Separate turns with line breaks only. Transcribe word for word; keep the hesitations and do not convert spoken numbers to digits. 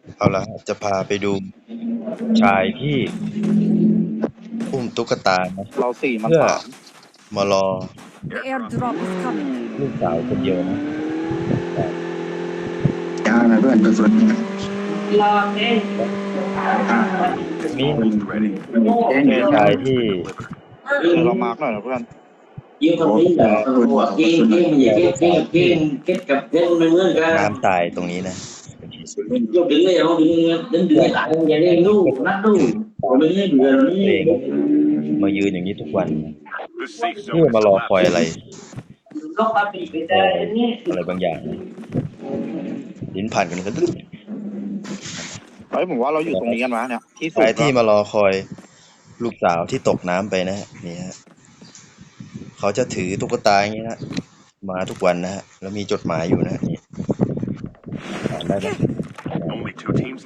เอาละจะพาไปดูชายที่อุ้มตุ๊กตานะ
เราสี่มัน
เพื่อ
สาม
มารอ
The airdrop is coming.
ลูกสาวคนเดียวนะ
จ้านะเพื่อนตัวสุด
รอเต้น
มี
แจ้ง
ชายที่
เดี๋ยวเรามาร์กหน่อยนะเพื่อน
ยืมคนนี้เหรอหัวเก้งเก้งมันอย่าเก้งเก้งเก้งเก้งกับเก้งมันเหมือนกัน
น้ำตายตรงนี้นะ
ยกดึงเลยเอาดึงดึงดึงหลายอย่าเล่นลูกนัดลูกผมไม่ได้เบื่อเลย
เองมายืนอย่างนี้ทุกวันนี่มารอคอยอะไร
ก็ปาปีไปได้เนี่ย
อะไรบางอย่างนะลิ้นผ่านกันก็ตึ๊ด
เฮ้ยผมว่าเราอยู่ตรงนี้กันวะเนี่ยที่สุด
ชายที่มารอคอยลูกสาวที่ตกน้ำไปนะฮะนี่ฮะเขาจะถือตุ๊กตาอย่างนี้นะมาทุกวันนะฮะแล้วมีจดหมายอยู่นะฮะนี่อ่านได้ไหม